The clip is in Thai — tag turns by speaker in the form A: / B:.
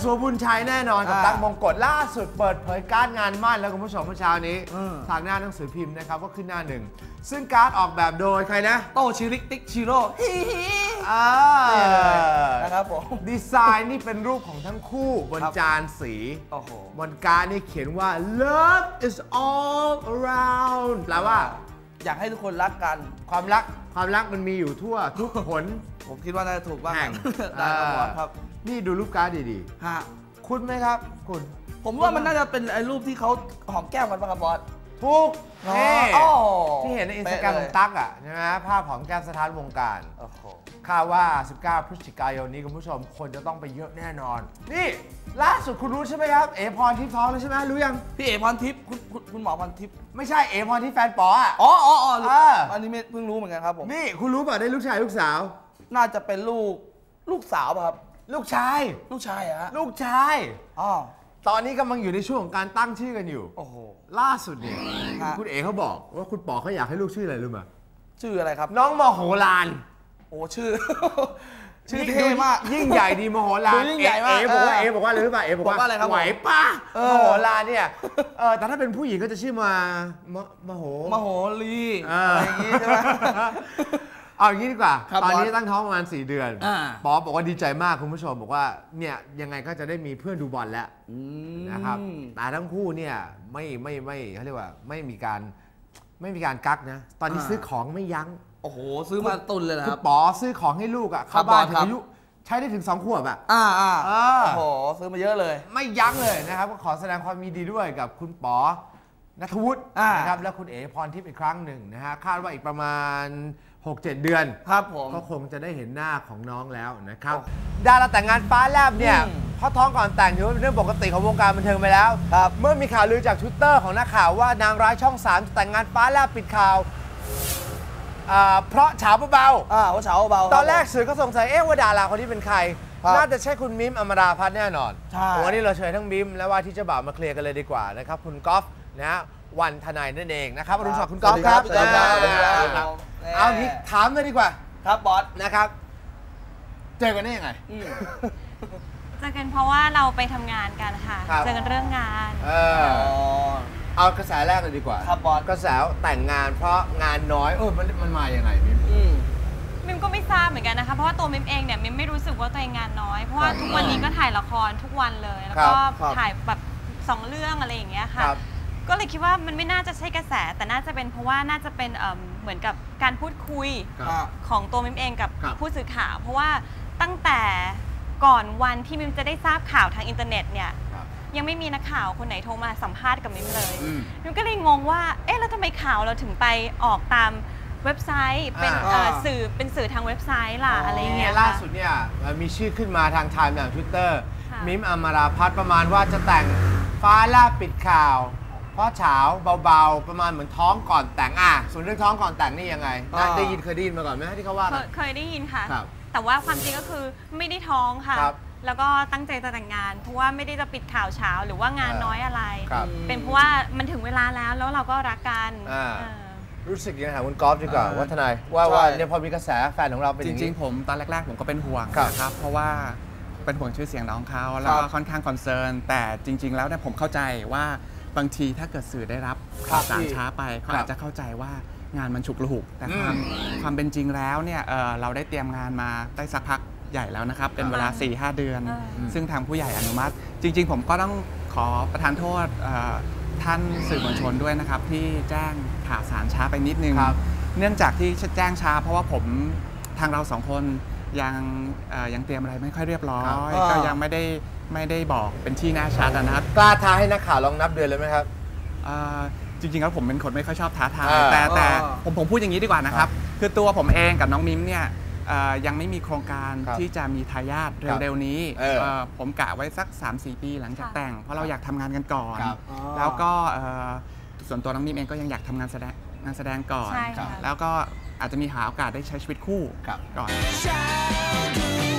A: สัวบุญชัยแน่นอนกับตั๊กมงกฎล่าสุดเปิดเผยการ์ดงานมั่นแล้วคุณผู้ชมเมื่อเช้านี้ทางหน้าหนังสือพิมพ์นะครับก็ขึ้นหน้าหนึ่งซึ่งการ์ดออกแบบโดยใครนะ
B: โตชิริกติ๊กชิโร่นะครับผม
A: ดีไซน์นี่เป็นรูปของทั้งคู่บนจานสีบนการ์ดนี่เขียนว่า love is all around แปลว่า
B: อยากให้ทุกคนรักกัน
A: ความรักมันมีอยู่ทั่วทุกคน
B: ผมคิดว่าน่าจะถูกบ้าง
A: ได้ครับนี่ดูรูปการ์ดดีๆคุณไหมครับคุณ
B: ผมว่ามันน่าจะเป็นไอ้รูปที่เขาหอมแก้มกันป่ะครับบอส
A: ทุกที่เห็นในอินสตาแกรมของตั๊กอ่ะใช่ไหมภาพของแก้มสถานวงการคาดว่า19พฤศจิกายนนี้คุณผู้ชมคนจะต้องไปเยอะแน่นอนนี่ล่าสุดคุณรู้ใช่ไหมครับเอพรทิพย์ท้องแล้วใช่ไหมรู้ยัง
B: พี่เอพรทิพย์คุณหมอพรทิพย์
A: ไม่ใช่เอพรทิพย์แฟนป๋ออ่ะ
B: อันนี้เพิ่งรู้เหมือนกันครับผม
A: นี่คุณรู้ป่ะได้ลูกชายลูกสาว
B: น่าจะเป็นลูกสาวป่ะครับ
A: ลูกชาย
B: ฮะ
A: ลูกชายตอนนี้กำลังอยู่ในช่วงของการตั้งชื่อกันอยู่
B: โอ้โห
A: ล่าสุดเนี่ยคุณเอ๋เขาบอกว่าคุณป๋อเขาอยากให้ลูกชื่ออะไรรู้ไหม
B: ชื่ออะไรครับ
A: น้องมโหฬาร
B: โอ้ชื่อเท่มาก
A: ยิ่งใหญ่ดีมโหฬาร
B: ยิ่งใหญ่มาก
A: เอ๋บอกว่าอะไรรู้ป่ะเอ๋บอกว่าไหวป่ะมโหฬารเนี่ยแต่ถ้าเป็นผู้หญิงก็จะชื่อมโห
B: ลีอะไรอย่างงี้ใช่ไหม
A: เอาอย่างนี้ดีกว่าตอนนี้ตั้งท้องประมาณ4 เดือนป๊อปบอกว่าดีใจมากคุณผู้ชมบอกว่าเนี่ยยังไงก็จะได้มีเพื่อนดูบอลแล้วนะครับแต่ทั้งคู่เนี่ยไม่เขาเรียกว่าไม่มีการกักนะตอนนี้ซื้อของไม่ยั้ง
B: โอ้โหซื้อมาตุนเลยนะค
A: รับป๋อซื้อของให้ลูกอ่ะเข้าบ้านถึงอายุใช้ได้ถึง2 ขวบอ่ะ
B: โอ้โหซื้อมาเยอะเลย
A: ไม่ยั้งเลยนะครับก็ขอแสดงความยินดีด้วยกับคุณป๋อณัฐวุฒินะครับและคุณเอ๋พรทิพย์อีกครั้งหนึ่งนะฮะคาดว่าอีกประมาณ6-7 เดือน
B: ครับผม
A: ก็คงจะได้เห็นหน้าของน้องแล้วนะครับดาราแต่งงานฟ้าแลบเนี่ยเพราะท้องก่อนแต่งถือว่าเป็นเรื่องปกติของวงการบันเทิงไปแล้วเมื่อมีข่าวลือจาก Twitter ของนักข่าวว่านางร้ายช่อง3จะแต่งงานฟ้าแลบปิดข่าวเพราะเฉาเบา
B: ว่าเฉาเบา
A: ตอนแรกสื่อก็สงสัยว่าดาราคนนี้เป็นใครน่าจะใช่คุณมิมอมราพัฒน์แน่นอนวันนี้เราเชิญทั้งมิมและว่าที่เจ้าบ่าวมาเคลียร์กันเลยดีกว่านะครับคุณก๊อฟนะวันทนายนั่นเองนะครับอรุณสวัสดิ์คุณก๊อฟครับเอางี้ถามเลยดีกว่า
B: ครับบอส
A: นะครับเจอกันได้ยังไง
C: เจอกันเพราะว่าเราไปทำงานกันค่ะเจอกันเรื่องงาน
A: เอากระแสแรกเลยดีกว่า
B: ครับบอส
A: กระแสแต่งงานเพราะงานน้อยมันมาอย่างไร
C: มิมก็ไม่ทราบเหมือนกันนะคะเพราะว่าตัวมิมเองเนี่ยมิมไม่รู้สึกว่าตัวเองงานน้อยเพราะว่าทุกวันนี้ก็ถ่ายละครทุกวันเลยแล้วก็ถ่ายแบบ2 เรื่องอะไรอย่างเงี้ยค่ะก็เลยคิดว่ามันไม่น่าจะใช่กระแสแต่น่าจะเป็นเพราะว่าน่าจะเป็นเหมือนกับการพูดคุยของตัวมิมเองกับผู้สื่อข่าวเพราะว่าตั้งแต่ก่อนวันที่มิมจะได้ทราบข่าวทางอินเทอร์เน็ตเนี่ยยังไม่มีนักข่าวคนไหนโทรมาสัมภาษณ์กับมิมเลยมิมก็เลยงงว่าแล้วทำไมข่าวเราถึงไปออกตามเว็บไซต์เป็นสื่อทางเว็บไซต์ล่ะอะไรเงี้ย
A: ล่าสุดเนี่ยมีชื่อขึ้นมาทางไทม์อย่าง Twitter มิมอมราพัฒน์ประมาณว่าจะแต่งฟ้าแลบปิดข่าวเพราะเฉาเบาๆประมาณเหมือนท้องก่อนแต่งส่วนเรื่องท้องก่อนแต่งนี่ยังไงได้ยินเคยได้ยินมาก่อนไหมที่เขาว่า
C: เคยได้ยินค่ะแต่ว่าความจริงก็คือไม่ได้ท้องค่ะแล้วก็ตั้งใจจะแต่งงานเพราะว่าไม่ได้จะปิดข่าวเช้าหรือว่างานน้อยอะไรเป็นเพราะว่ามันถึงเวลาแล้วเราก็รักกัน
A: รู้สึกยังไงถามคุณก๊อฟดีกว่าว่าทนายว่าเนี่ยพอมีกระแสแฟนของเราเป็น
D: จริงๆผมตอนแรกๆผมก็เป็นห่วงนะครับเพราะว่าเป็นห่วงชื่อเสียงน้องเขาแล้วก็ค่อนข้างคอนเซิร์นแต่จริงๆแล้วเนี่ยผมเข้าใจว่าบางทีถ้าเกิดสื่อได้รับข่าวสารช้าไปเขาอาจจะเข้าใจว่างานมันฉุกละหุกแต่ความเป็นจริงแล้วเนี่ยเราได้เตรียมงานมาได้สักพักใหญ่แล้วนะครับเป็นเวลา 4-5 เดือนซึ่งทางผู้ใหญ่อนุมัติจริงๆผมก็ต้องขอประทานโทษท่านสื่อมวลชนด้วยนะครับที่แจ้งข่าวสารช้าไปนิดนึงเนื่องจากที่แจ้งช้าเพราะว่าทางเรา2 คนยังเตรียมอะไรไม่ค่อยเรียบร้อยก็ยังไม่ได้บอกเป็นที่แน่ชัดนะครับ
A: กล้าท้าให้นักข่าวลองนับเดือนเลยไหมครับ
D: จริงๆแล้วผมเป็นคนไม่ค่อยชอบท้าทายแต่ผมพูดอย่างนี้ดีกว่านะครับคือตัวผมเองกับน้องมิมเนี่ยยังไม่มีโครงการที่จะมีทายาทเร็วๆนี้ผมกะไว้สัก 3-4 ปีหลังจากแต่งเพราะเราอยากทำงานกันก่อนแล้วก็ส่วนตัวน้องมิมเองก็ยังอยากทำงานแสดงก่อนแล้วก็อาจจะมีหาโอกาสได้ใช้ชีวิตคู่ก่อน